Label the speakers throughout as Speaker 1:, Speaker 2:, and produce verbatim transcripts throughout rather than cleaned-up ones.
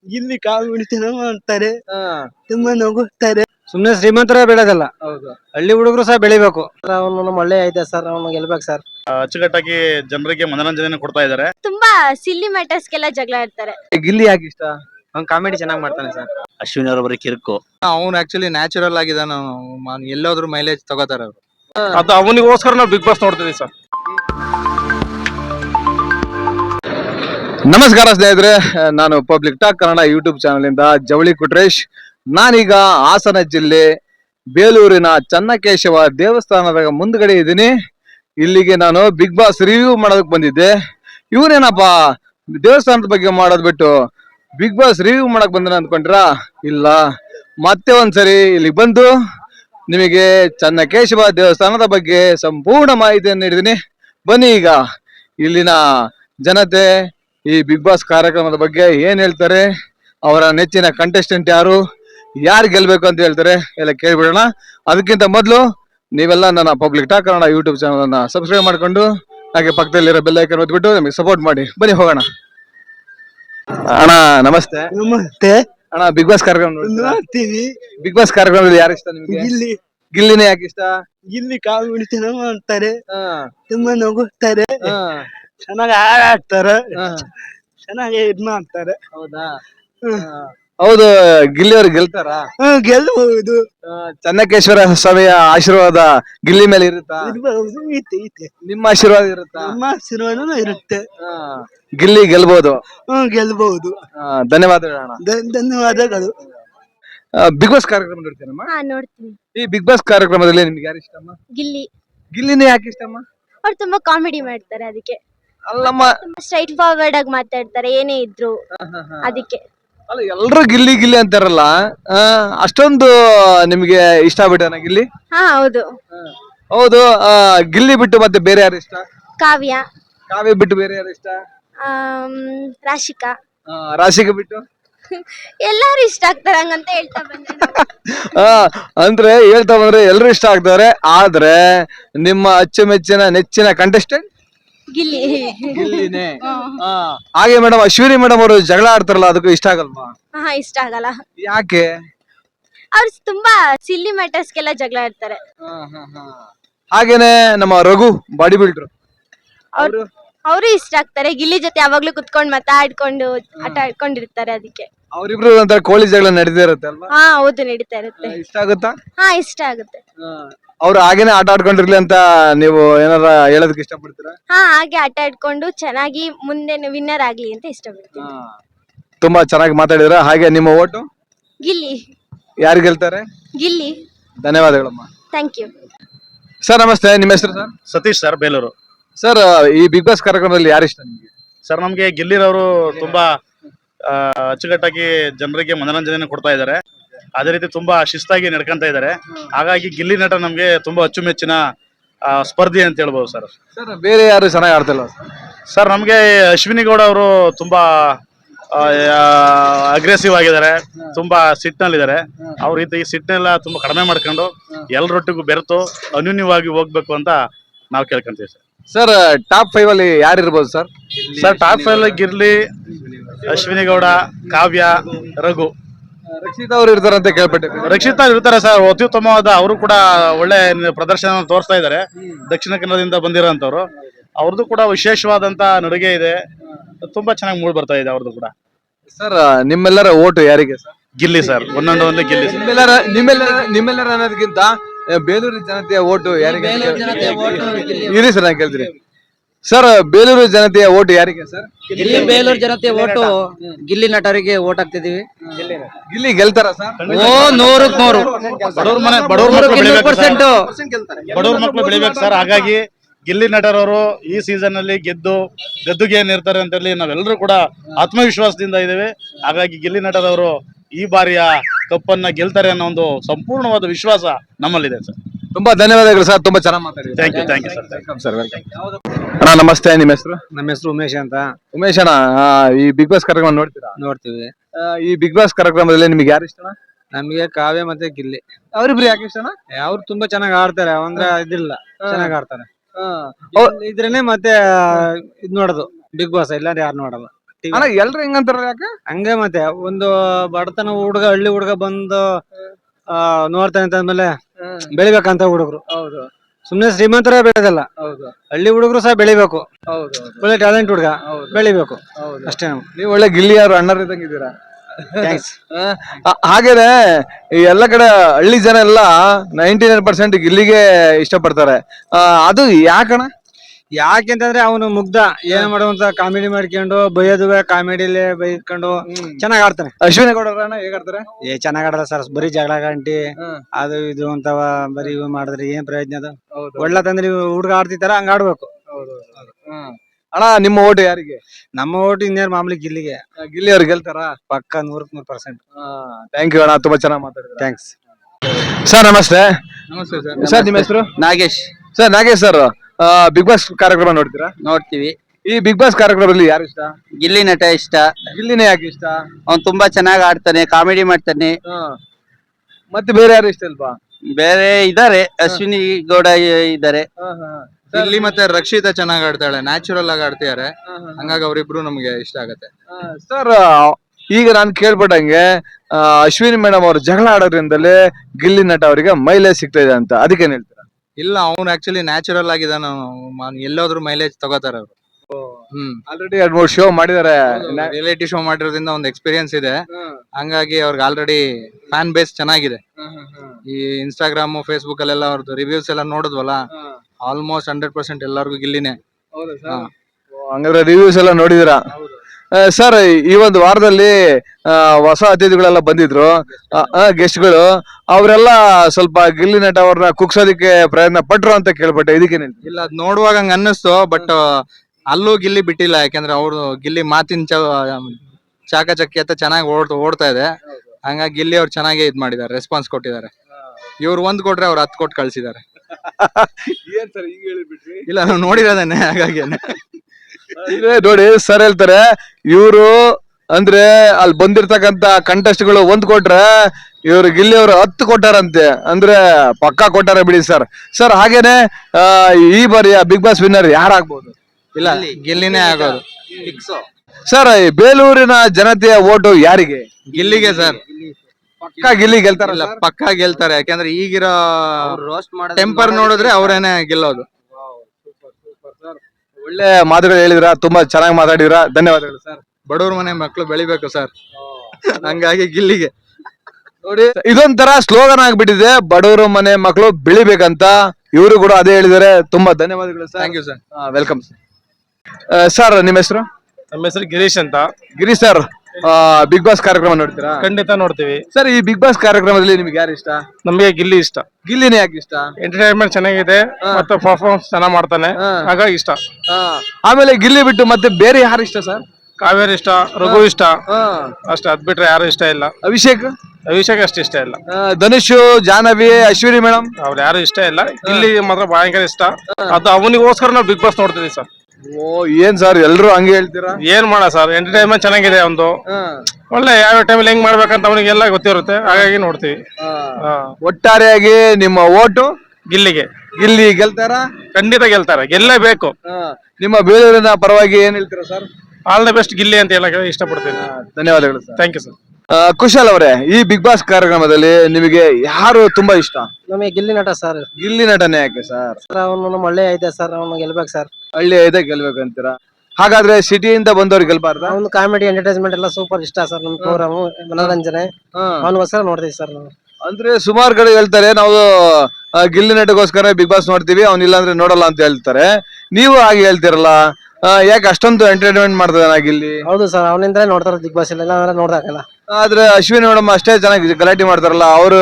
Speaker 1: Gilli comedy ಚೆನ್ನಾಗ್ ಮಾಡ್ತಾರೆ, ತುಂಬಾ ನಗುತ್ತಾರೆ.
Speaker 2: ಸುಮ್ನೆ ಶ್ರೀಮಂತರ ಬೆಳೆದಲ್ಲ, ಹಳ್ಳಿ ಹುಡುಗರು ಸಹ ಬೆಳಿಬೇಕು.
Speaker 3: ಅವನು ಒಳ್ಳೆ ಐತೆ ಸರ್, ಅವನು ಗೆಲ್ಬೇಕು ಸರ್.
Speaker 4: ಅಚ್ಚುಕಟ್ಟಾಗಿ ಜನರಿಗೆ ಮನೋರಂಜನೆ ಕೊಡ್ತಾ ಇದ್ದಾರೆ.
Speaker 5: ತುಂಬಾ ಸಿಲ್ಲಿ ಮ್ಯಾಟರ್ಸ್ಗೆಲ್ಲ ಜಗಳ ಆಡ್ತಾರೆ.
Speaker 2: ಗಿಲ್ಲಿ ಯಾಕೆ ಇಷ್ಟ? ಅವ್ನ್ ಕಾಮಿಡಿ ಚೆನ್ನಾಗ್ ಮಾಡ್ತಾನೆ ಸರ್.
Speaker 4: ಅಶ್ವಿನಿ ಅವರ ಬರೀ ಕಿರುಕು.
Speaker 2: ಅವ್ನು ಆಕ್ಚುಲಿ ನ್ಯಾಚುರಲ್ ಆಗಿದಾನ, ಎಲ್ಲಾದ್ರೂ ಮೈಲೇಜ್ ತಗೋತಾರ ಅವ್ರು.
Speaker 4: ಅದು ಅವನಿಗೋಸ್ಕರ ನಾವು ಬಿಗ್ ಬಾಸ್ ನೋಡ್ತಿದ್ದೀವಿ ಸರ್.
Speaker 6: ನಮಸ್ಕಾರ ಸ್ನೇಹಿತರೆ, ನಾನು public talk Kannada YouTube channel ಇಂದ ಜವಳಿ ಕುಟ್ರೇಶ್. ನಾನೀಗ ಹಾಸನ ಜಿಲ್ಲೆ ಬೇಲೂರಿನ ಚನ್ನಕೇಶವ ದೇವಸ್ಥಾನದ ಮುಂದ್ಗಡೆ ಇದ್ದೀನಿ. ಇಲ್ಲಿಗೆ ನಾನು ಬಿಗ್ ಬಾಸ್ ರಿವ್ಯೂ ಮಾಡೋದಕ್ಕೆ ಬಂದಿದ್ದೆ. ಇವನೇನಪ್ಪಾ ದೇವಸ್ಥಾನದ ಬಗ್ಗೆ ಮಾಡೋದ್ ಬಿಟ್ಟು ಬಿಗ್ ಬಾಸ್ ರಿವ್ಯೂ ಮಾಡಕ್ ಬಂದ ಅಂದ್ಕೊಂಡ್ರಾ? ಇಲ್ಲ, ಮತ್ತೆ ಒಂದ್ಸರಿ ಇಲ್ಲಿಗೆ ಬಂದು ನಿಮಗೆ ಚನ್ನಕೇಶವ ದೇವಸ್ಥಾನದ ಬಗ್ಗೆ ಸಂಪೂರ್ಣ ಮಾಹಿತಿಯನ್ನು ನೀಡಿದ್ದೀನಿ. ಬನ್ನಿ, ಈಗ ಇಲ್ಲಿನ ಜನತೆ ಈ ಬಿಗ್ ಬಾಸ್ ಕಾರ್ಯಕ್ರಮದ ಬಗ್ಗೆ ಏನ್ ಹೇಳ್ತಾರೆ, ಅವರ ನೆಚ್ಚಿನ ಕಂಟೆಸ್ಟೆಂಟ್ ಯಾರು, ಯಾರು ಗೆಲ್ಬೇಕು ಅಂತ ಹೇಳ್ತಾರೆ ಎಲ್ಲ ಕೇಳ್ಬಿಡೋಣ. ಅದಕ್ಕಿಂತ ಮೊದಲು ನೀವೆಲ್ಲ ನನ್ನ public talk Kannada YouTube channel ಅನ್ನ ಸಬ್ಸ್ಕ್ರೈಬ್ ಮಾಡ್ಕೊಂಡು ಹಾಗೆ ಪಕ್ಕದಲ್ಲಿರೋ ಬೆಲ್ ಐಕನ್ ಒತ್ಬಿಟ್ಟು ನಮಗೆ ಸಪೋರ್ಟ್ ಮಾಡಿ. ಬನ್ನಿ ಹೋಗೋಣ. ಅಣ್ಣ ನಮಸ್ತೆ.
Speaker 1: ನಮಸ್ತೆ.
Speaker 6: ಅಣ್ಣ, ಬಿಗ್ ಬಾಸ್ ಕಾರ್ಯಕ್ರಮ
Speaker 1: ನೋಡ್ತೀವಿ.
Speaker 6: ಬಿಗ್ ಬಾಸ್ ಕಾರ್ಯಕ್ರಮದಲ್ಲಿ ಯಾರು ಇಷ್ಟ ನಿಮಗೆ?
Speaker 1: ಗಿಲ್ಲಿ.
Speaker 6: ಗಿಲ್ಲಿನೇ ಯಾಕೆ ಇಷ್ಟ?
Speaker 1: ಗಿಲ್ಲಿ ಕಾಮಿಡಿ ಚೆನ್ನಾಗ್ ಮಾಡ್ತಾರೆ, ತುಂಬಾ ನಗುತ್ತಾರೆ, ಚೆನ್ನಾಗಿ ಆಡ್ತಾರೆ, ಚೆನ್ನಾಗಿ ಇದ್ ಮಾಡ್ತಾರೆ.
Speaker 6: ಹೌದಾ? ಹೌದು, ಗಿಲ್ಲಿ ಅವ್ರು ಗೆಲ್ತಾರ?
Speaker 1: ಗೆಲ್ಬಹುದು.
Speaker 6: ಚನ್ನಕೇಶ್ವರ ಸ್ವಾಮಿಯ ಆಶೀರ್ವಾದ ಗಿಲ್ಲಿ ಮೇಲೆ ಇರುತ್ತಾ?
Speaker 1: ಇರ್ಬಹುದು, ಐತೆ ಐತೆ.
Speaker 6: ನಿಮ್ಮ ಆಶೀರ್ವಾದ ಇರುತ್ತಾ?
Speaker 1: ನಮ್ಮ ಆಶೀರ್ವಾದನೂ ಇರುತ್ತೆ.
Speaker 6: ಗಿಲ್ಲಿ ಗೆಲ್ಬಹುದು.
Speaker 1: ಹ್ಮ್, ಗೆಲ್ಬಹುದು.
Speaker 6: ಧನ್ಯವಾದಗಳು ಅಣ್ಣ.
Speaker 1: ಧನ್ಯವಾದಗಳು.
Speaker 6: ಬಿಗ್ ಬಾಸ್ ಕಾರ್ಯಕ್ರಮ ನೋಡ್ತೀನಮ್ಮ?
Speaker 5: ಹಾ, ನೋಡ್ತೀನಿ.
Speaker 6: ಈ ಬಿಗ್ ಬಾಸ್ ಕಾರ್ಯಕ್ರಮದಲ್ಲಿ ನಿಮ್ಗೆ ಯಾರು ಇಷ್ಟಮ್ಮ?
Speaker 5: ಗಿಲ್ಲಿ.
Speaker 6: ಗಿಲ್ಲಿನೇ ಯಾಕೆ ಇಷ್ಟಮ್ಮ?
Speaker 5: ಅವ್ರು ತುಂಬಾ ಕಾಮಿಡಿ ಮಾಡ್ತಾರೆ, ಅದಕ್ಕೆ.
Speaker 6: ಅಲ್ಲಮ್ಮ,
Speaker 5: ಸ್ಟ್ರೈಟ್ ಫಾರ್ವರ್ಡ್ ಆಗಿ ಮಾತಾಡ್ತಾರೆ, ಏನೇ ಇದ್ರು ಅದಕ್ಕೆ.
Speaker 6: ಅಲ್ಲ, ಎಲ್ರು ಗಿಲ್ಲಿ ಗಿಲ್ಲಿ ಅಂತಾರಲ್ಲ, ಅಷ್ಟೊಂದು ನಿಮ್ಗೆ ಇಷ್ಟ ಆಗ್ಬಿಟ್ಟನ ಗಿಲ್ಲಿ?
Speaker 5: ಹಾ, ಹೌದು.
Speaker 6: ಹೌದು. ಗಿಲ್ಲಿ ಬಿಟ್ಟು ಮತ್ತೆ ಬೇರೆ ಯಾರು ಇಷ್ಟ?
Speaker 5: ಕಾವ್ಯ.
Speaker 6: ಕಾವ್ಯ ಬಿಟ್ಟು ಬೇರೆ ಯಾರು ಇಷ್ಟ?
Speaker 5: ಆಮ್, ರಾಶಿಕಾ.
Speaker 6: ರಾಶಿಕ ಬಿಟ್ಟು
Speaker 5: ಎಲ್ಲಾರು ಇಷ್ಟ ಆಗ್ತಾರೆ, ಹಂಗಂತ ಹೇಳ್ತಾ ಬಂದೆ.
Speaker 6: ಆ ಅಂದ್ರೆ ಹೇಳ್ತಾ ಬಂದ್ರೆ ಎಲ್ರು ಇಷ್ಟ ಆಗ್ತಾರೆ. ಆದ್ರೆ ನಿಮ್ಮ ಅಚ್ಚುಮೆಚ್ಚಿನ ನೆಚ್ಚಿನ ಕಂಟೆಸ್ಟೆಂಟ್
Speaker 5: ಗಿಲ್ಲಿ.
Speaker 6: ಗಿಲ್ಲಿನೇ. ಹಾಗೆ ಮೇಡಮ್, ಅಶ್ವಿನಿ ಮೇಡಮ್ ಅವರು ಜಗಳ ಆಡ್ತಾರಲ್ಲ, ಅದಕ್ಕೂ ಇಷ್ಟ ಆಗಲ್ವಾ?
Speaker 5: ಹಾ, ಇಷ್ಟ ಆಗಲ್ಲ.
Speaker 6: ಯಾಕೆ?
Speaker 5: ಅವ್ರು ತುಂಬಾ ಸಿಲ್ಲಿ ಮ್ಯಾಟರ್ಸ್ಗೆಲ್ಲ ಜಗಳ ಆಡ್ತಾರೆ.
Speaker 6: ಹಾಗೇನೆ ನಮ್ಮ ರಘು ಬಾಡಿ ಬಿಲ್ಡರ್,
Speaker 5: ಅವ್ರು ಅವರು ಇಷ್ಟ ಆಗ್ತಾರೆ. ಗಿಲ್ಲಿ ಜೊತೆ ಯಾವಾಗ್ಲೂ ಕುತ್ಕೊಂಡ್ ಮಾತಾಡ್ಕೊಂಡು ಆಟ ಆಡ್ಕೊಂಡಿರ್ತಾರೆ, ಅದಕ್ಕೆ.
Speaker 6: ಅವರಿಬ್ರು ಒಂಥರ ಕೋಳಿ ಜಗಳ ನಡೆದೇ ಇರುತ್ತೆ ಅಲ್ವಾ?
Speaker 5: ಹಾ, ಹೌದು, ನಡೀತಾ ಇರುತ್ತೆ.
Speaker 6: ಇಷ್ಟ ಆಗುತ್ತಾ?
Speaker 5: ಹಾ, ಇಷ್ಟ ಆಗುತ್ತೆ.
Speaker 6: ಅವ್ರು ಹಾಗೇನೆ ಆಟ ಆಡ್ಕೊಂಡಿರ್ಲಿ ಅಂತ ನೀವು ಏನಾರ ಹೇಳೋದಕ್ಕೆ ಇಷ್ಟಪಡ್ತೀರಾ?
Speaker 5: ಹಾ, ಹಾಗೆ ಆಟ ಆಡ್ಕೊಂಡು ಚೆನ್ನಾಗಿ ಮುಂದೆ ವಿನ್ನರ್ ಆಗ್ಲಿ ಅಂತ ಇಷ್ಟಪಡ್ತೀನಿ.
Speaker 6: ತುಂಬಾ ಚೆನ್ನಾಗಿ ಮಾತಾಡಿದ್ರ. ಹಾಗೆ ನಿಮ್ಮ ಓಟು
Speaker 5: ಗಿಲ್ಲಿ.
Speaker 6: ಯಾರು ಗೆಲ್ತಾರೆ?
Speaker 5: ಗಿಲ್ಲಿ.
Speaker 6: ಧನ್ಯವಾದಗಳಮ್ಮ.
Speaker 5: Thank you
Speaker 6: sir. ನಮಸ್ತೆ, ನಿಮ್ಮ ಹೆಸರು sir?
Speaker 4: Satish sir, Belur.
Speaker 6: Sir, ಈ ಬಿಗ್ ಬಾಸ್ ಕಾರ್ಯಕ್ರಮದಲ್ಲಿ ಯಾರು ಇಷ್ಟ ನಿಮಗೆ?
Speaker 4: ಸರ್, ನಮ್ಗೆ ಗಿಲ್ಲಿರವರು ತುಂಬಾ ಅಚ್ಚುಕಟ್ಟಾಗಿ ಜನರಿಗೆ ಮನೋರಂಜನೆ ಕೊಡ್ತಾ ಇದ್ದಾರೆ. ಅದೇ ರೀತಿ ತುಂಬಾ ಶಿಸ್ತಾಗಿ ನಡ್ಕೊಂತ ಇದ್ದಾರೆ. ಹಾಗಾಗಿ ಗಿಲ್ಲಿ ನಟ ನಮ್ಗೆ ತುಂಬಾ ಅಚ್ಚುಮೆಚ್ಚಿನ ಸ್ಪರ್ಧಿ ಅಂತ ಹೇಳ್ಬೋದು ಸರ್.
Speaker 6: ಸರ್, ಬೇರೆ ಯಾರು ಚೆನ್ನಾಗಿ ಆಡ್ತಿಲ್ಲ
Speaker 4: ಸರ್? ನಮ್ಗೆ ಅಶ್ವಿನಿ ಗೌಡ ಅವರು ತುಂಬಾ ಅಗ್ರೆಸಿವ್ ಆಗಿದ್ದಾರೆ, ತುಂಬಾ ಸಿಟ್ನಲ್ಲಿದ್ದಾರೆ. ಅವ್ರ ಈ ಸಿಟ್ನೆಲ್ಲ ತುಂಬಾ ಕಡಿಮೆ ಮಾಡ್ಕೊಂಡು ಎಲ್ರೊಟ್ಟಿಗೂ ಬೆರೆತು ಅನ್ಯೂನ್ಯವಾಗಿ ಹೋಗ್ಬೇಕು ಅಂತ ನಾವು ಕೇಳ್ಕೊಂತೀವಿ ಸರ್.
Speaker 6: ಸರ್, ಟಾಪ್ ಫೈವ್ ಅಲ್ಲಿ ಯಾರು ಇರ್ಬೋದು ಸರ್?
Speaker 4: ಸರ್, ಟಾಪ್ ಫೈವ್ ಅಲ್ಲಿ ಗಿರ್ಲಿ, ಅಶ್ವಿನಿ ಗೌಡ, ಕಾವ್ಯ, ರಘು.
Speaker 6: ರಕ್ಷಿತಾ ಅವ್ರು ಇರ್ತಾರೆ ಅಂತ ಕೇಳ್ಪಟ್ಟೆ.
Speaker 4: ರಕ್ಷಿತಾ ಇರ್ತಾರೆ ಸರ್, ಅತ್ಯುತ್ತಮವಾದ ಅವರು ಕೂಡ ಒಳ್ಳೆ ಪ್ರದರ್ಶನ ತೋರಿಸ್ತಾ ಇದ್ದಾರೆ. ದಕ್ಷಿಣ ಕನ್ನಡದಿಂದ ಬಂದಿರೋಂಥವ್ರು. ಅವ್ರದ್ದು ಕೂಡ ವಿಶೇಷವಾದಂತ ನಡುಗೆ ಇದೆ, ತುಂಬಾ ಚೆನ್ನಾಗಿ ಮೂಡ್ ಬರ್ತಾ ಇದೆ ಅವ್ರದ್ದು ಕೂಡ.
Speaker 6: ಸರ್, ನಿಮ್ಮೆಲ್ಲರ ಓಟು ಯಾರಿಗೆ ಸರ್?
Speaker 4: ಗಿಲ್ಲಿ ಸರ್, ಒಂದೊಂದು ಒಂದೇ ಗಿಲ್ಲಿ.
Speaker 6: ನಿಮ್ಮೆಲ್ಲರ ನಿಮ್ಮೆಲ್ಲರ ನಿಮ್ಮೆಲ್ಲರ ಅನ್ನೋದಕ್ಕಿಂತ ಬೇಲೂರು ಜನತೆಯ ಓಟು ಯಾರಿಗೆ? ಇರಿ ಸರ್, ನಾನು ಕೇಳ್ತೀನಿ. ಸರ್, ಬೇಲೂರು ಜನತೆಯ ಓಟು ಯಾರಿಗೆ ಸರ್?
Speaker 3: ಇಲ್ಲಿ ಬೇಲೂರು ಜನತೆಯ ಓಟು ಗಿಲ್ಲಿ ನಟರಿಗೆ ಓಟ್ ಹಾಕ್ತಿದೀವಿ.
Speaker 6: ಗಿಲ್ಲಿ ಗೆಲ್ತಾರ ಸರ್?
Speaker 3: ಓ, ನೂರಕ್ ನೂರು.
Speaker 4: ಬಡವ್ರ ಮನೆ ಬಡವ್ರ ಮಕ್ಕಳು ಬಡವ್ರ ಮಕ್ಕಳು ಬೆಳಿಬೇಕು ಸರ್. ಹಾಗಾಗಿ ಗಿಲ್ಲಿ ನಟರವರು ಈ ಸೀಸನ್ ಅಲ್ಲಿ ಗೆದ್ದು ಗದ್ದುಗೆ ಏನಿರ್ತಾರೆ ಅಂತ ಹೇಳಿ ನಾವೆಲ್ಲರೂ ಕೂಡ ಆತ್ಮವಿಶ್ವಾಸದಿಂದ ಇದ್ದೇವೆ. ಹಾಗಾಗಿ ಗಿಲ್ಲಿ ನಟರವರು ಈ ಬಾರಿಯ ಕಪ್ಪನ್ನ ಗೆಲ್ತಾರೆ ಅನ್ನೋ ಒಂದು ಸಂಪೂರ್ಣವಾದ ವಿಶ್ವಾಸ ನಮ್ಮಲ್ಲಿದೆ ಸರ್.
Speaker 6: ತುಂಬಾ ಧನ್ಯವಾದಗಳು ಸರ್, ತುಂಬಾ ಚೆನ್ನಾಗಿ ಮಾತಾಡಿದ್ರಿ.
Speaker 4: Thank you thank you sir.
Speaker 6: Welcome sir, welcome. ಅಣ್ಣ ನಮಸ್ತೆ, ನಿಮ್ಮ ಹೆಸರು?
Speaker 2: ನಮ್ಮ ಹೆಸರು ಉಮೇಶ್ ಅಂತ.
Speaker 6: ಉಮೇಶ್ ಅಣ್ಣ, ಈ ಬಿಗ್ ಬಾಸ್ ಕಾರ್ಯಕ್ರಮ ನೋಡ್ತೀರಾ?
Speaker 2: ನೋಡ್ತೀವಿ.
Speaker 6: ಈ ಬಿಗ್ ಬಾಸ್ ಕಾರ್ಯಕ್ರಮದಲ್ಲಿ ನಿಮ್ಗೆ ಯಾರು ಇಷ್ಟ?
Speaker 2: ನಮ್ಗೆ ಕಾವ್ಯ ಮತ್ತೆ ಗಿಲ್ಲಿ.
Speaker 6: ಅವ್ರಿಬ್ರು ಯಾಕೆ ಇಷ್ಟ?
Speaker 2: ಅವ್ರು ತುಂಬಾ ಚೆನ್ನಾಗಿ ಆಡ್ತಾರೆ, ಅಂದ್ರೆ ಇದಿಲ್ಲ, ಚೆನ್ನಾಗಿ ಆಡ್ತಾರೆ.
Speaker 6: ಹಾ,
Speaker 2: ಇದ್ರೇನೆ ಮತ್ತೆ ಇದ್ ನೋಡೋದು ಬಿಗ್ ಬಾಸ್, ಇಲ್ಲಾಂದ್ರೆ ಯಾರು ನೋಡಲ್ಲ.
Speaker 3: ನೋಡ್ತೀವಿ.
Speaker 6: ಅಣ್ಣ ಎಲ್ರು ಹೆಂಗಂತಾರ ಯಾಕೆ?
Speaker 3: ಹಂಗೆ ಮತ್ತೆ ಒಂದು ಬಡತನ ಹುಡುಗ ಹಳ್ಳಿ ಹುಡುಗ ಬಂದು ಆ ನೋಡ್ತಾನೆ ಅಂದ್ಮೇಲೆ ಬೆಳಿಬೇಕಂತ ಹುಡುಗರು.
Speaker 6: ಹೌದು
Speaker 3: ಸುಮ್ನೆ ಶ್ರೀಮಂತರೇ ಬೆಳೆದಲ್ಲ,
Speaker 6: ಹೌದು
Speaker 3: ಹಳ್ಳಿ ಹುಡುಗರು ಸಹ ಬೆಳಿಬೇಕು.
Speaker 6: ಹೌದು
Speaker 3: ಒಳ್ಳೆ ಟ್ಯಾಲೆಂಟ್ ಹುಡುಗ ಬೆಳಿಬೇಕು
Speaker 6: ಹೌದು
Speaker 3: ಅಷ್ಟೇ. ನಾವು
Speaker 6: ನೀವು ಒಳ್ಳೆ ಗಿಲ್ಲಿ ಯಾರು ಅಣ್ಣರ ಇದ್ದಂಗಿದ್ದೀರಾ.
Speaker 3: ಥ್ಯಾಂಕ್ಸ್.
Speaker 6: ಹಾಗೇನೆ ಈ ಎಲ್ಲ ಕಡೆ ಹಳ್ಳಿ ಜನ ಎಲ್ಲ ನೈಂಟಿ ನೈನ್ ಪರ್ಸೆಂಟ್ ಗಿಲ್ಲಿಗೆ ಇಷ್ಟಪಡ್ತಾರೆ. ಆ, ಅದು ಯಾಕಣ?
Speaker 3: ಯಾಕೆಂತಂದ್ರೆ ಅವನು ಮುಗ್ಧ, ಏನ್ ಮಾಡುವಂತ ಕಾಮಿಡಿ ಮಾಡ್ಕೊಂಡು ಬೈಯೋದು ಕಾಮಿಡಿಲಿ ಬೈಕೊಂಡು ಚೆನ್ನಾಗ್ ಆಡ್ತಾನೆ.
Speaker 6: ಅಶ್ವಿನಿ ಗೌಡ ಅಣ್ಣ ಹೇಗಾಡ್ತಾರೆ?
Speaker 3: ಏ ಚೆನ್ನಾಗ್ ಆಡಲ್ಲ ಸರ್, ಬರೀ ಜಗಳ ಗಂಟಿ ಅದು ಇದು ಅಂತವ ಬರೀ ಇವು ಮಾಡಿದ್ರೆ ಏನ್ ಪ್ರಯೋಜನ ಅದು? ಒಳ್ಳೆ ತಂದ್ರೆ ಹುಡುಗ ಆಡ್ತಿತ್ತಾರ ಹಂಗ ಆಡ್ಬೇಕು.
Speaker 6: ಅಣ್ಣ ನಿಮ್ಮ ಓಟು ಯಾರಿಗೆ?
Speaker 3: ನಮ್ಮ ಓಟು ಇನ್ನೇನು ಮಾಮೂಲಿ ಗಿಲ್ಲಿಗೆ.
Speaker 6: ಗಿಲ್ಲಿ ಅವ್ರು ಗೆಲ್ತಾರ
Speaker 3: ಪಕ್ಕ ನೂರಕ್ ನೂರ್ ಪರ್ಸೆಂಟ್.
Speaker 6: ಥ್ಯಾಂಕ್ ಯು ಅಣ್ಣ, ತುಂಬಾ ಚೆನ್ನಾಗಿ ಮಾತಾಡಿದ್ರೆ.
Speaker 3: ಥ್ಯಾಂಕ್ಸ್
Speaker 6: ಸರ್ ನಮಸ್ತೆ.
Speaker 2: ನಮಸ್ತೆ ಸರ್.
Speaker 6: ಸರ್ ನಿಮ್ಮ ಹೆಸರು?
Speaker 3: Nagesh.
Speaker 6: Sir Nagesh sir, Bigg Boss ಕಾರ್ಯಕ್ರಮ ನೋಡ್ತೀರಾ?
Speaker 3: ನೋಡ್ತೀವಿ.
Speaker 6: ಈ ಬಿಗ್ ಬಾಸ್ ಕಾರ್ಯಕ್ರಮದಲ್ಲಿ ಯಾರು ಇಷ್ಟ?
Speaker 3: ಗಿಲ್ಲಿ ನಟ ಇಷ್ಟ.
Speaker 6: ಗಿಲ್ಲಿನೇ ಯಾಕೆ ಇಷ್ಟ?
Speaker 3: ಅವ್ನು ತುಂಬಾ ಚೆನ್ನಾಗ್ ಆಡ್ತಾನೆ, ಕಾಮಿಡಿ ಮಾಡ್ತಾನೆ.
Speaker 6: ಮತ್ತೆ ಬೇರೆ ಯಾರು ಇಷ್ಟ ಅಲ್ವಾ?
Speaker 3: ಬೇರೆ ಇದಾರೆ, ಅಶ್ವಿನಿ ಗೌಡ ಇದಾರೆ.
Speaker 2: ಇಲ್ಲಿ ಮತ್ತೆ ರಕ್ಷಿತಾ ಚೆನ್ನಾಗ್ ಆಡ್ತಾಳೆ, ನ್ಯಾಚುರಲ್ ಆಗಿ ಆಡ್ತಿದ್ದಾರೆ. ಹಂಗಾಗಿ ಅವರಿಬ್ರು ನಮ್ಗೆ ಇಷ್ಟ ಆಗತ್ತೆ.
Speaker 6: ಸರ್ ಈಗ ನಾನು ಕೇಳ್ಪಟ್ಟಂಗೆ ಆ, ಅಶ್ವಿನಿ ಮೇಡಮ್ ಅವರು ಜಗಳ ಆಡೋದ್ರಿಂದಲೇ ಗಿಲ್ಲಿ ನಟ ಅವರಿಗೆ ಮೈಲೇಜ್ ಸಿಗ್ತಾ ಇದೆ ಅಂತ, ಅದಕ್ಕೇನ್ ಹೇಳ್ತೀರಾ?
Speaker 2: ಇಲ್ಲ, ಅವ್ನು ಆಕ್ಚುಲಿ ನ್ಯಾಚುರಲ್ ಆಗಿದಾನ, ಎಲ್ಲಾದ್ರೂ ಮೈಲೇಜ್ ತಗೋತಾರೆ ಅವ್ರು. ಹ್ಮ್
Speaker 6: ಆಲ್ರೆಡಿ ಎರಡ್ ಮೂರು ಶೋ ಮಾಡಿದಾರೆ.
Speaker 2: ರಿಯಾಲಿಟಿ ಶೋ ಮಾಡಿರೋದ್ರಿಂದ ಒಂದು ಎಕ್ಸ್ಪೀರಿಯನ್ಸ್ ಇದೆ. ಹಂಗಾಗಿ ಅವ್ರಿಗೆ ಆಲ್ರೆಡಿ ಫ್ಯಾನ್ ಬೇಸ್ ಚೆನ್ನಾಗಿದೆ. ಈ ಇನ್ಸ್ಟಾಗ್ರಾಮ್ ಫೇಸ್ಬುಕ್ ಅಲ್ಲೆಲ್ಲ ಅವ್ರದ್ದು ರಿವ್ಯೂಸ್ ಎಲ್ಲ ನೋಡಿದ್ವಲ್ಲ, ಆಲ್ಮೋಸ್ಟ್ ಹಂಡ್ರೆಡ್ ಪರ್ಸೆಂಟ್ ಎಲ್ಲರಿಗೂ ಗಿಲ್ಲಿನೇ.
Speaker 6: ಹಂಗಾದ್ರೆ ರಿವ್ಯೂಸ್ ಎಲ್ಲ ನೋಡಿದಿರಾ? ಸರ್ ಈ ಒಂದು ವಾರದಲ್ಲಿ ಆ, ಹೊಸ ಅತಿಥಿಗಳೆಲ್ಲ ಬಂದಿದ್ರು, ಗೆಸ್ಟ್ಗಳು. ಅವರೆಲ್ಲ ಸ್ವಲ್ಪ ಗಿಲ್ಲಿ ನಟ ಅವ್ರನ್ನ ಕುಗ್ಸೋದಕ್ಕೆ ಪ್ರಯತ್ನ ಪಟ್ರು ಅಂತ ಕೇಳ್ಪಟ್ಟೆ, ಇದಕ್ಕೇನೆ?
Speaker 2: ಇಲ್ಲ, ಅದ್ ನೋಡುವಾಗ ಹಂಗ ಅನ್ನಿಸ್ತು. ಬಟ್ ಅಲ್ಲೂ ಗಿಲ್ಲಿ ಬಿಟ್ಟಿಲ್ಲ, ಯಾಕಂದ್ರೆ ಅವ್ರು ಗಿಲ್ಲಿ ಮಾತಿನ ಚ ಚಾಕಚಕ್ಯತೆ ಚೆನ್ನಾಗಿ ಓಡ್ ಓಡ್ತಾ ಇದೆ. ಹಂಗಾಗಿ ಗಿಲ್ಲಿ ಅವ್ರು ಚೆನ್ನಾಗಿ ಇದ್ ಮಾಡಿದ್ದಾರೆ, ರೆಸ್ಪಾನ್ಸ್ ಕೊಟ್ಟಿದ್ದಾರೆ. ಇವ್ರು ಒಂದ್ ಕೊಟ್ರೆ ಅವ್ರು ಹತ್ ಕೊಟ್ಟು ಕಳ್ಸಿದ್ದಾರೆ. ಇಲ್ಲ, ನಾವು ನೋಡಿರೋದೇನೆ, ಹಾಗಾಗಿ
Speaker 6: ನೋಡಿ ಸರ್ ಹೇಳ್ತಾರೆ, ಇವರು ಅಂದ್ರೆ ಅಲ್ಲಿ ಬಂದಿರ್ತಕ್ಕಂತ ಕಂಟೆಸ್ಟ್ಗಳು ಒಂದ್ ಕೊಟ್ರೆ ಇವ್ರು ಗಿಲ್ಲಿ ಅವರು ಹತ್ತು ಕೊಟ್ಟಾರಂತೆ, ಅಂದ್ರೆ ಪಕ್ಕಾ ಕೊಟ್ಟಾರ ಬಿಡಿ ಸರ್. ಸರ್ ಹಾಗೇನೆ ಆ, ಈ ಬಾರಿಯ ಬಿಗ್ ಬಾಸ್ ವಿನ್ನರ್ ಯಾರಾಗ್ಬೋದು?
Speaker 2: ಇಲ್ಲ, ಗಿಲ್ಲಿನೇ ಆಗೋದು
Speaker 6: ಸರ್. ಈ ಬೇಲೂರಿನ ಜನತೆಯ ಓಟು ಯಾರಿಗೆ?
Speaker 2: ಗಿಲ್ಲಿಗೆ ಸರ್.
Speaker 6: ಪಕ್ಕಾ ಗಿಲ್ಲಿ ಗೆಲ್ತಾರಲ್ಲ?
Speaker 2: ಇಲ್ಲ, ಪಕ್ಕಾ ಗೆಲ್ತಾರೆ. ಯಾಕಂದ್ರೆ ಈಗಿರೋ ಟೆಂಪರ್ ನೋಡಿದ್ರೆ ಅವ್ರೇನೆ ಗೆಲ್ಲೋದು.
Speaker 6: ಒಳ್ಳೆ ಮಾತುಗಳು ಹೇಳಿದ್ರ, ತುಂಬಾ ಚೆನ್ನಾಗಿ ಮಾತಾಡಿದ್ರ, ಧನ್ಯವಾದಗಳು ಸರ್.
Speaker 2: ಬಡವ್ರ ಮನೆ ಮಕ್ಳು ಬೆಳಿಬೇಕು ಸರ್, ಹಂಗಾಗಿ ಗಿಲ್ಲಿಗೆ.
Speaker 6: ನೋಡಿ ಇದೊಂಥರ ಸ್ಲೋಗನ್ ಆಗ್ಬಿಟ್ಟಿದೆ, ಬಡವರು ಮನೆ ಮಕ್ಕಳು ಬೆಳಿಬೇಕಂತ. ಇವರು ಕೂಡ ಅದೇ ಹೇಳಿದ್ದಾರೆ. ತುಂಬಾ ಧನ್ಯವಾದಗಳು sir.
Speaker 2: Thank you sir.
Speaker 6: Welcome sir. ನಿಮ್ಮ ಹೆಸರು?
Speaker 4: ನಮ್ಮ ಹೆಸರು ಗಿರೀಶ್ ಅಂತ.
Speaker 6: ಗಿರಿ ಸರ್, ಬಿಗ್ ಬಾಸ್ ಕಾರ್ಯಕ್ರಮ ನೋಡ್ತೀರಾ?
Speaker 4: ಖಂಡಿತ ನೋಡ್ತೀವಿ
Speaker 6: ಸರ್. ಈ ಬಿಗ್ ಬಾಸ್ ಕಾರ್ಯಕ್ರಮದಲ್ಲಿ ನಿಮ್ಗೆ ಯಾರು ಇಷ್ಟ?
Speaker 4: ನಮಗೆ ಗಿಲ್ಲಿ ಇಷ್ಟ.
Speaker 6: ಗಿಲ್ಲಿನೇ ಯಾಕೆ ಇಷ್ಟ?
Speaker 4: ಎಂಟರ್ಟೈನ್ಮೆಂಟ್ ಚೆನ್ನಾಗಿದೆ ಮತ್ತೆ ಪರ್ಫಾರ್ಮೆನ್ಸ್ ಚೆನ್ನಾಗ್ ಮಾಡ್ತಾನೆ, ಹಾಗಾಗಿ ಇಷ್ಟ.
Speaker 6: ಆಮೇಲೆ ಗಿಲ್ಲಿ ಬಿಟ್ಟು ಮತ್ತೆ ಬೇರೆ ಯಾರು ಇಷ್ಟ ಸರ್?
Speaker 4: ಕಾವೇರಿ ಇಷ್ಟ, ರಘು ಇಷ್ಟ, ಅಷ್ಟೇ. ಅದ್ ಬಿಟ್ರೆ ಯಾರು ಇಷ್ಟ ಇಲ್ಲ.
Speaker 6: ಅಭಿಷೇಕ್?
Speaker 4: ಅಭಿಷೇಕ್ ಅಷ್ಟು ಇಷ್ಟ ಇಲ್ಲ.
Speaker 6: ಧನುಷ್, ಜಾಹ್ನವಿ, ಅಶ್ವಿನಿ ಮೇಡಮ್
Speaker 4: ಅವ್ರು ಯಾರು ಇಷ್ಟ ಇಲ್ಲ. ಗಿಲ್ಲಿ ಮಾತ್ರ ಭಯಂಕರ ಇಷ್ಟ. ಅದು ಅವನಿಗೋಸ್ಕರ ನಾವು ಬಿಗ್ ಬಾಸ್ ನೋಡ್ತೀವಿ ಸರ್.
Speaker 6: ಓ ಏನ್ ಸರ್ ಎಲ್ರು ಹಂಗೆ ಹೇಳ್ತೀರಾ?
Speaker 4: ಏನ್ ಮಾಡ ಸರ್, ಎಂಟರ್ಟೈನ್ಮೆಂಟ್ ಚೆನ್ನಾಗಿದೆ ಒಂದು. ಒಳ್ಳೆ ಯಾವ ಟೈಮಲ್ಲಿ ಹೆಂಗ್ ಮಾಡ್ಬೇಕಂತ ಅವನಿಗೆಲ್ಲ ಗೊತ್ತಿರುತ್ತೆ, ಹಾಗಾಗಿ ನೋಡ್ತೀವಿ.
Speaker 6: ಒಟ್ಟಾರೆಯಾಗಿ ನಿಮ್ಮ ಓಟು
Speaker 4: ಗಿಲ್ಲಿಗೆ.
Speaker 6: ಗಿಲ್ಲಿ ಗೆಲ್ತಾರ?
Speaker 4: ಖಂಡಿತ ಗೆಲ್ತಾರೆ, ಗೆಲ್ಲೇಬೇಕು.
Speaker 6: ನಿಮ್ಮ ಬೇಲೂರಿನ ಪರವಾಗಿ ಏನ್ ಹೇಳ್ತೀರಾ sir?
Speaker 4: All the best Gilli ಅಂತ ಹೇಳಕ್ಕೆ ಇಷ್ಟಪಡ್ತೀನಿ.
Speaker 6: ಧನ್ಯವಾದಗಳು sir.
Speaker 4: Thank you sir.
Speaker 6: Kushal ಅವರೇ, ಈ ಬಿಗ್ ಬಾಸ್ ಕಾರ್ಯಕ್ರಮದಲ್ಲಿ ನಿಮಗೆ ಯಾರು ತುಂಬಾ ಇಷ್ಟ?
Speaker 3: ನಮಗೆ ಗಿಲ್ಲಿ ನಟ ಸರ್.
Speaker 6: ಗಿಲ್ಲಿ ನಟನೆ ಯಾಕೆ ಸರ್?
Speaker 3: ಅವನು ನಮ್ಮ ಒಳ್ಳೆ ಐತೆ ಸರ್, ಅವನು ಗೆಲ್ಬೇಕು ಸರ್.
Speaker 6: ಹಳ್ಳಿ ಐತೆ ಗೆಲ್ಬೇಕಂತೀರಾ? ಹಾಗಾದ್ರೆ ಸಿಟಿಯಿಂದ ಬಂದವ್ರು ಗೆಲ್ಬಾರ್ದ?
Speaker 3: ಅವನು ಕಾಮಿಡಿ ಎಂಟರ್ಟೈನ್ಮೆಂಟ್ ಎಲ್ಲ ಸೂಪರ್ ಇಷ್ಟ ಸರ್. ನಮ್ ಪ್ರೋಗ್ರಾಮ್ ಮನೋರಂಜನೆ ಅವನಿಗೋಸ್ಕರ ನೋಡ್ತೀವಿ ಸರ್ ನಾವು.
Speaker 6: ಅಂದ್ರೆ ಸುಮಾರು ಕಡೆ ಹೇಳ್ತಾರೆ, ನಾವು ಆ, ಗಿಲ್ಲಿ ನಟಗೋಸ್ಕರ ಬಿಗ್ ಬಾಸ್ ನೋಡ್ತೀವಿ, ಅವ್ನಿಲ್ಲ ಅಂದ್ರೆ ನೋಡಲ್ಲ ಅಂತ ಹೇಳ್ತಾರೆ. ನೀವು ಹಾಗೆ ಹೇಳ್ತಿರಲ್ಲ, ಆ, ಯಾಕೆ ಅಷ್ಟೊಂದು ಎಂಟರ್ಟೈನ್ಮೆಂಟ್ ಮಾಡ್ತದ ಗಿಲ್ಲಿ?
Speaker 3: ಹೌದು ಸರ್, ಅವನಿಂದ ನೋಡ್ತಾರ ಬಿಗ್ ಬಾಸ್ ಇಲ್ಲ ನೋಡ್ದಾಗಲ್ಲ.
Speaker 6: ಆದ್ರೆ ಅಶ್ವಿನಿ ಮೇಡಮ್ ಅಷ್ಟೇ ಚೆನ್ನಾಗಿ ಗಲಾಟೆ ಮಾಡ್ತಾರಲ್ಲ, ಅವರು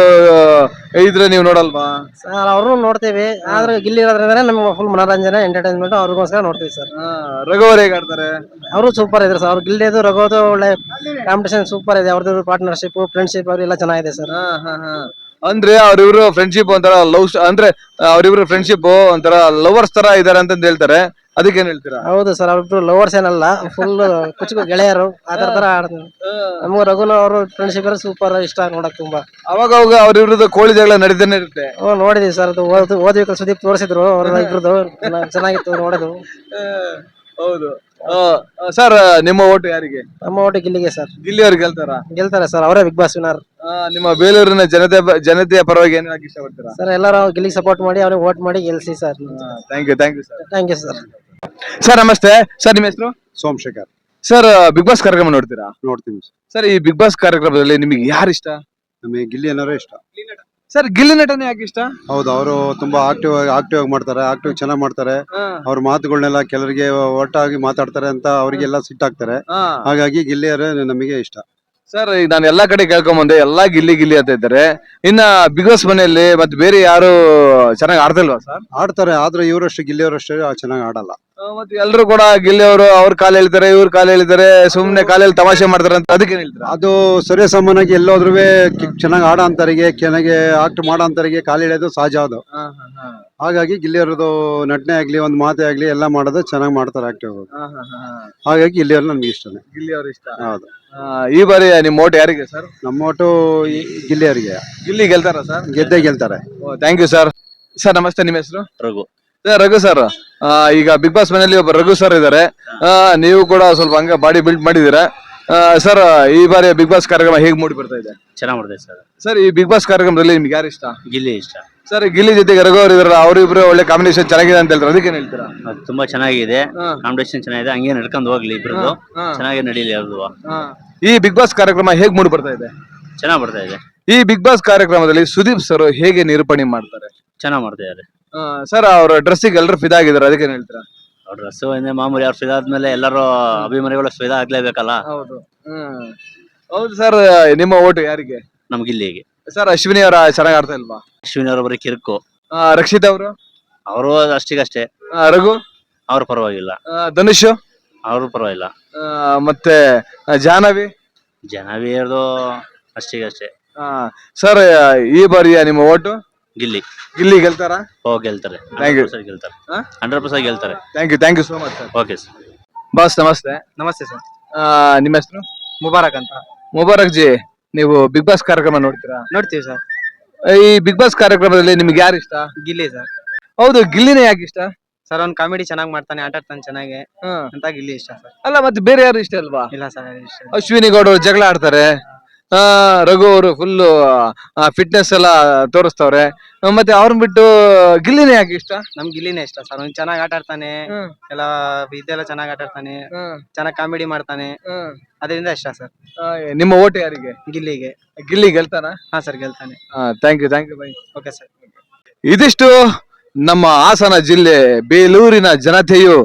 Speaker 6: ಇದ್ರೆ ನೀವು ನೋಡಲ್ವಾ?
Speaker 3: ಸರ್ ಅವ್ರನ್ನು ನೋಡ್ತೀವಿ, ಆದ್ರೆ ಗಿಲ್ಲಿ ಇರೋದ್ರಿಂದ ನಮ್ಗೆ ಫುಲ್ ಮನೋರಂಜನೆ ಎಂಟರ್ಟೈನ್ಮೆಂಟ್ ಅವ್ರಿಗೋಸ್ಕರ ನೋಡ್ತೀವಿ ಸರ್.
Speaker 6: ರಘುವರ್ ಹೇಗೆ ಆಡ್ತಾರೆ?
Speaker 3: ಅವರು ಸೂಪರ್ ಇದ್ರು ಸರ್. ಅವ್ರು ಗಿಲ್ಲಿದು ರಘುದು ಒಳ್ಳೆ ಕಾಂಪಿಟೇಷನ್ ಸೂಪರ್ ಇದೆ. ಅವ್ರದ್ದು ಪಾರ್ಟ್ನರ್ಶಿಪ್ ಫ್ರೆಂಡ್ಶಿಪ್ ಅವ್ರೆಲ್ಲ ಚೆನ್ನಾಗಿದೆ ಸರ್.
Speaker 6: ಅಂದ್ರೆ ಅವ್ರಿಬ್ರು ಫ್ರೆಂಡ್ಶಿಪ್ ಒಂಥರ ಲವ್, ಅಂದ್ರೆ ಅವ್ರಿಬ್ರು ಫ್ರೆಂಡ್ಶಿಪ್ ಒಂಥರ ಲವರ್ಸ್ ತರ ಇದಾರೆ ಅಂತ ಹೇಳ್ತಾರೆ, ಅದಕ್ಕೇನ್ ಹೇಳ್ತೀರಾ?
Speaker 3: ಹೌದು ಸರ್, ಅವ್ರಿಬ್ರು ಲವರ್ಸ್ ಏನಲ್ಲ, ಫುಲ್ ಕುಚುಕು ಗೆಳೆಯರು ಆತರ ತರ ಆಡ್ತಾರೆ. ನಮ್ಗೆ ರಘುನ ಅವರು ಫ್ರೆಂಡ್ಶಿಪ್ ಸೂಪರ್ ಇಷ್ಟ ನೋಡಕ್ ತುಂಬಾ.
Speaker 6: ಅವಾಗ ಅವಾಗ ಅವ್ರಿಬ್ರದ್ದು ಕೋಳಿ ಜಗಳ ನಡೀತಾನೆ ಇರುತ್ತೆ.
Speaker 3: ಓ ನೋಡಿದೀವಿ ಸರ್, ಅದು ಓದ್ ಓದ್ಬೇಕು ಸುದೀಪ್ ತೋರಿಸಿದ್ರು ಅವ್ರ ಇಬ್ರದ್ದು ಚೆನ್ನಾಗಿತ್ತು ನೋಡೋದು.
Speaker 6: ಹೌದು. ಸರ್ ನಿಮ್ಮ ಓಟು ಯಾರಿಗೆ?
Speaker 3: ನಮ್ಮ ಓಟು ಗಿಲ್ಲಿಗೆ ಸರ್.
Speaker 6: ಗಿಲ್ಲಿ ಅವ್ರು ಗೆಲ್ತಾರ?
Speaker 3: ಗೆಲ್ತಾರೆ ಸರ್, ಅವರೇ ಬಿಗ್ ಬಾಸ್ ವಿನರ್.
Speaker 6: ನಿಮ್ಮ ಬೇಲೂರಿನ ಜನತೆ ಜನತೆಯ ಪರವಾಗಿ ಏನ್ ಹೇಳಕ್ ಇಷ್ಟಪಡ್ತೀರಾ?
Speaker 3: ಸರ್ ಎಲ್ಲರೂ ಗಿಲ್ಲಿಗೆ ಸಪೋರ್ಟ್ ಮಾಡಿ ಅವ್ರಿಗೆ ವೋಟ್ ಮಾಡಿ ಗೆಲ್ಸಿ sir.
Speaker 6: Thank you thank you sir.
Speaker 3: Thank you sir.
Speaker 6: Sir ನಮಸ್ತೆ ಸರ್, ನಿಮ್ಮ ಹೆಸರು?
Speaker 7: ಸೋಮಶೇಖರ್.
Speaker 6: ಸರ್ ಬಿಗ್ ಬಾಸ್ ಕಾರ್ಯಕ್ರಮ ನೋಡ್ತೀರಾ?
Speaker 7: ನೋಡ್ತೀನಿ
Speaker 6: ಸರ್ ಈ ಬಿಗ್ ಬಾಸ್ ಕಾರ್ಯಕ್ರಮದಲ್ಲಿ ನಿಮಗೆ ಯಾರು ಇಷ್ಟ?
Speaker 7: ನಮಗೆ ಗಿಲ್ಲಿ ಅನ್ನೋರೇ ಇಷ್ಟ.
Speaker 6: ಸರ್ ಗಿಲ್ಲಿ ನಟನೆ ಯಾಕೆ ಇಷ್ಟ?
Speaker 7: ಹೌದು, ಅವರು ತುಂಬಾ ಆಕ್ಟಿವ್ ಆಗಿ ಆಕ್ಟಿವ್ ಆಗಿ ಮಾಡ್ತಾರೆ, ಆಕ್ಟಿವ್ ಚೆನ್ನಾಗಿ ಮಾಡ್ತಾರೆ. ಅವ್ರ ಮಾತುಗಳನ್ನೆಲ್ಲ ಕೆಲವರಿಗೆ ಒಟ್ಟಾಗಿ ಮಾತಾಡ್ತಾರೆ ಅಂತ ಅವರಿಗೆಲ್ಲ ಸಿಟ್ಟಾಗ್ತಾರೆ. ಹಾಗಾಗಿ ಗಿಲ್ಲಿಯವರೇ ನಮಗೆ ಇಷ್ಟ.
Speaker 6: ಸರ್ ಈಗ ನಾನು ಎಲ್ಲಾ ಕಡೆ ಕೇಳ್ಕೊಂಡ್ ಬಂದೆ, ಎಲ್ಲಾ ಗಿಲ್ಲಿ ಗಿಲ್ಲಿ ಅಂತ ಇದ್ದಾರೆ. ಇನ್ನ ಬಿಗ್ ಬಾಸ್ ಮನೆಯಲ್ಲಿ ಮತ್ತೆ ಬೇರೆ ಯಾರು ಚೆನ್ನಾಗಿ ಆಡ್ತಿಲ್ವಾ ಸರ್?
Speaker 7: ಆಡ್ತಾರೆ, ಆದ್ರೆ ಇವರಷ್ಟು ಗಿಲ್ಲಿಯವರಷ್ಟು ಚೆನ್ನಾಗಿ ಆಡಲ್ಲ.
Speaker 6: ಮತ್ತೆ ಎಲ್ರು ಕೂಡ ಗಿಲ್ಲಿ ಅವರು ಅವ್ರ ಕಾಲ ಹೇಳ್ತಾರೆ, ಇವ್ರ ಕಾಲ ಹೇಳ್ತಾರೆ, ಸುಮ್ನೆ ಕಾಲಲ್ಲಿ ತಮಾಷೆ ಮಾಡ್ತಾರೆ ಅಂತ ಅದಕ್ಕೆ ಹೇಳ್ತಾರೆ.
Speaker 7: ಅದು ಸರಿಯ ಸಾಮಾನ್ಯಾಗಿ ಎಲ್ಲೋದ್ರೂ ಚೆನ್ನಾಗಿ ಆಡೋ ಅಂತರಿಗೆ, ಚೆನ್ನಾಗಿ ಆಕ್ಟ್ ಮಾಡೋ ಅಂತರಿಗೆ ಕಾಲು ಎಳೆಯೋದು ಸಹಜ. ಅದು ಹಾಗಾಗಿ ಗಿಲ್ಲಿಯವರದು ನಟನೆ ಆಗ್ಲಿ, ಒಂದು ಮಾತೇ ಆಗ್ಲಿ, ಎಲ್ಲ ಮಾಡೋದು ಚೆನ್ನಾಗಿ ಮಾಡ್ತಾರೆ, ಆಕ್ಟಿವ್. ಹಾಗಾಗಿ ಗಿಲ್ಲಿಯವ್ರು ನಮ್ಗೆ ಇಷ್ಟನೇ.
Speaker 6: ಗಿಲ್ಲಿ ಅವ್ರ ಇಷ್ಟ.
Speaker 7: ಹೌದು.
Speaker 6: ಈ ಬಾರಿ ನಿಮ್ ಓಟ್ ಯಾರಿಗೆ ಸರ್?
Speaker 7: ನಮ್ಮ ಒಟ್ಟು ಗಿಲ್ಲಿಯವರಿಗೆ.
Speaker 6: ಗಿಲ್ಲಿ ಗೆಲ್ತಾರ ಸರ್?
Speaker 7: ಗೆದ್ದೇ ಗೆಲ್ತಾರೆ.
Speaker 6: Thank you sir. ಸರ್ ನಮಸ್ತೆ, ನಿಮ್ಮ ಹೆಸರು?
Speaker 8: ರಘು.
Speaker 6: ರಘು ಸರ್, ಈಗ ಬಿಗ್ ಬಾಸ್ ಮನೆಯಲ್ಲಿ ಒಬ್ಬ ರಘು ಸರ್ ಇದ್ದಾರೆ. ನೀವು ಕೂಡ ಸ್ವಲ್ಪ ಹಂಗ ಬಾಡಿ ಬಿಲ್ಡ್ ಮಾಡಿದೀರಾ. ಸರ್ ಈ ಬಾರಿ ಬಿಗ್ ಬಾಸ್ ಕಾರ್ಯಕ್ರಮ ಹೇಗ್ ಮೂಡಿ ಬರ್ತಾ ಇದೆ?
Speaker 8: ಚೆನ್ನಾಗ್ ಮಾಡಿದೆ ಸರ್.
Speaker 6: ಸರ್ ಈ ಬಿಗ್ ಬಾಸ್ ಕಾರ್ಯಕ್ರಮದಲ್ಲಿ ನಿಮ್ಗೆ ಯಾರು ಇಷ್ಟ?
Speaker 8: ಗಿಲ್ಲಿ ಇಷ್ಟ
Speaker 6: ಸರ್. ಗಿಲ್ಲಿ ಜೊತೆಗೆ ರಘು ಅವರು ಇದಾರೆ, ಅವರಿಬ್ರು ಒಳ್ಳೆ ಕಾಂಬಿನೇಷನ್ ಚೆನ್ನಾಗಿದೆ ಅಂತ ಹೇಳ್ತಾರೆ, ಅದಕ್ಕೆ ಏನ್ ಹೇಳ್ತೀರಾ?
Speaker 8: ಅದು ತುಂಬಾ ಚೆನ್ನಾಗಿದೆ, ಕಾಂಪಿಟೇಷನ್ ಚೆನ್ನಾಗಿದೆ, ಹಂಗೆ ನಡ್ಕೊಂಡು ಹೋಗ್ಲಿ ಇಬ್ರದ್ದು, ಚೆನ್ನಾಗಿ ನಡೀಲಿ ಅವ್ರದ್ದು.
Speaker 6: ಈ ಬಿಗ್ ಬಾಸ್ ಕಾರ್ಯಕ್ರಮ ಹೇಗ್ ಮೂಡಿ ಬರ್ತಾ ಇದೆ?
Speaker 8: ಚೆನ್ನಾಗ್ ಬರ್ತಾ ಇದೆ.
Speaker 6: ಈ ಬಿಗ್ ಬಾಸ್ ಕಾರ್ಯಕ್ರಮದಲ್ಲಿ ಸುದೀಪ್ ಸರ್ ಹೇಗೆ ನಿರೂಪಣೆ ಮಾಡ್ತಾರೆ?
Speaker 8: ಚೆನ್ನಾಗ್ ಮಾಡ್ತಾ ಇದಾರೆ
Speaker 6: ಸರ್. ಅವ್ರ ಡ್ರೆಸ್ಸಿಗೆ ಎಲ್ಲರೂ ಫಿದಾ ಆಗಿದ್ದಾರೆ, ಅದಕ್ಕೆ ಏನ್ ಹೇಳ್ತೀರಾ?
Speaker 8: ಅವ್ರ ಡ್ರೆಸ್ ಮಾಮೂಲಿ, ಅವ್ರು ಫಿದಾ ಆದ್ಮೇಲೆ ಎಲ್ಲರೂ ಅಭಿಮಾನಿಗಳು ಫಿದಾ ಆಗ್ಲೇಬೇಕಲ್ಲ.
Speaker 6: ಹೌದು. ಹ್ಮ್ ಹೌದು ಸರ್. ನಿಮ್ಮ ಓಟು ಯಾರಿಗೆ?
Speaker 8: ನಮ್ ಗಿಲ್ಲಿಗೆ.
Speaker 6: ಸರ್ ಅಶ್ವಿನಿ ಅವರ ಚೆನ್ನಾಗಿ ಆಡ್ತಾ ಇಲ್ವಾ?
Speaker 8: ಅಶ್ವಿನಿ ಅವರು ಬರೀ ಕಿರುಕು.
Speaker 6: ರಕ್ಷಿತ್ ಅವರು?
Speaker 8: ಅವರು ಅಷ್ಟಿಗಷ್ಟೇ.
Speaker 6: ರಘು?
Speaker 8: ಅವ್ರು ಪರವಾಗಿಲ್ಲ.
Speaker 6: ಧನುಷ್?
Speaker 8: ಅವ್ರು ಪರವಾಗಿಲ್ಲ.
Speaker 6: ಮತ್ತೆ ಜಾಹ್ನವಿ?
Speaker 8: ಜಾಹ್ನವಿ ಅವ್ರದ್ದು ಅಷ್ಟಿಗಷ್ಟೇ.
Speaker 6: ಸರ್ ಈ ಬಾರಿಯ ನಿಮ್ಮ ಓಟು?
Speaker 8: ಗಿಲ್ಲಿ.
Speaker 6: ಗಿಲ್ಲಿ ಗೆಲ್ತಾರ?
Speaker 8: ಓ ಗೆಲ್ತಾರೆ,
Speaker 6: Thank you.
Speaker 8: ಗೆಲ್ತಾರೆ, ಹಂಡ್ರೆಡ್ ಪರ್ಸೆಂಟ್ ಗೆಲ್ತಾರೆ.
Speaker 6: Thank you thank you so much sir.
Speaker 8: Okay sir.
Speaker 6: Boss ನಮಸ್ತೆ.
Speaker 3: ನಮಸ್ತೆ ಸರ್.
Speaker 6: ನಿಮ್ಮ ಹೆಸರು?
Speaker 3: ಮುಬಾರಕ್ ಅಂತ.
Speaker 6: ಮುಬಾರಕ್ ಜಿ, ನೀವು ಬಿಗ್ ಬಾಸ್ ಕಾರ್ಯಕ್ರಮ ನೋಡ್ತೀರಾ?
Speaker 3: ನೋಡ್ತೀವಿ ಸರ್.
Speaker 6: ಈ ಬಿಗ್ ಬಾಸ್ ಕಾರ್ಯಕ್ರಮದಲ್ಲಿ ನಿಮ್ಗೆ ಯಾರು ಇಷ್ಟ?
Speaker 3: ಗಿಲ್ಲಿ ಸರ್.
Speaker 6: ಹೌದು, ಗಿಲ್ಲಿನೇ ಯಾಕೆ ಇಷ್ಟ?
Speaker 3: ಸರ್ ಅವ್ನ್ ಕಾಮಿಡಿ ಚೆನ್ನಾಗಿ ಮಾಡ್ತಾನೆ, ಆಟ ಆಡ್ತಾನೆ ಚೆನ್ನಾಗಿ ಅಂತ ಗಿಲ್ಲಿ ಇಷ್ಟ ಸರ್.
Speaker 6: ಅಲ್ಲ ಮತ್ತೆ ಬೇರೆ ಯಾರು ಇಷ್ಟ ಅಲ್ವಾ?
Speaker 3: ಇಲ್ಲ ಸರ್, ಇಷ್ಟ.
Speaker 6: ಅಶ್ವಿನಿ ಗೌಡ ಅವರು ಜಗಳ ಆಡ್ತಾರೆ, ಆ ರಘು ಅವರು ಫುಲ್ ಫಿಟ್ನೆಸ್ ಎಲ್ಲ ತೋರಿಸ್ತವ್ರೆ, ಮತ್ತೆ ಅವ್ರನ್ನ ಬಿಟ್ಟು ಗಿಲ್ಲಿನೇ ಯಾಕೆ ಇಷ್ಟ?
Speaker 3: ನಮ್ ಗಿಲ್ಲಿನೇ ಇಷ್ಟ ಸರ್. ಅವ್ನು ಚೆನ್ನಾಗಿ ಆಟ ಆಡ್ತಾನೆ, ಎಲ್ಲ ಇದೆಲ್ಲ ಚೆನ್ನಾಗಿ ಆಟ ಆಡ್ತಾನೆ, ಚೆನ್ನಾಗಿ ಕಾಮಿಡಿ ಮಾಡ್ತಾನೆ, ಅದರಿಂದ ಇಷ್ಟ ಸರ್.
Speaker 6: ನಿಮ್ಮ ಓಟ್ ಯಾರಿಗೆ?
Speaker 3: ಗಿಲ್ಲಿಗೆ.
Speaker 6: ಗಿಲ್ಲಿ ಗೆಲ್ತಾನ?
Speaker 3: ಹಾ ಸರ್, ಗೆಲ್ತಾನೆ.
Speaker 6: Thank you thank you bye.
Speaker 3: Okay sir.
Speaker 6: ಇದಿಷ್ಟು ನಮ್ಮ ಹಾಸನ ಜಿಲ್ಲೆ ಬೇಲೂರಿನ ಜನತೆಯು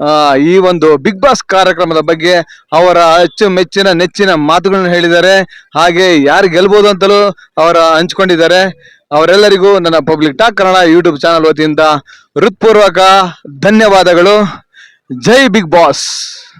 Speaker 6: ಈ ಒಂದು ಬಿಗ್ ಬಾಸ್ ಕಾರ್ಯಕ್ರಮದ ಬಗ್ಗೆ ಅವರ ಅಚ್ಚುಮೆಚ್ಚಿನ ನೆಚ್ಚಿನ ಮಾತುಗಳನ್ನು ಹೇಳಿದ್ದಾರೆ. ಹಾಗೆ ಯಾರು ಗೆಲ್ಬಹುದು ಅಂತಲೂ ಅವರ ಹಂಚ್ಕೊಂಡಿದ್ದಾರೆ. ಅವರೆಲ್ಲರಿಗೂ ನನ್ನ public talk Kannada YouTube channel ವತಿಯಿಂದ ಹೃತ್ಪೂರ್ವಕ ಧನ್ಯವಾದಗಳು. ಜೈ ಬಿಗ್ ಬಾಸ್.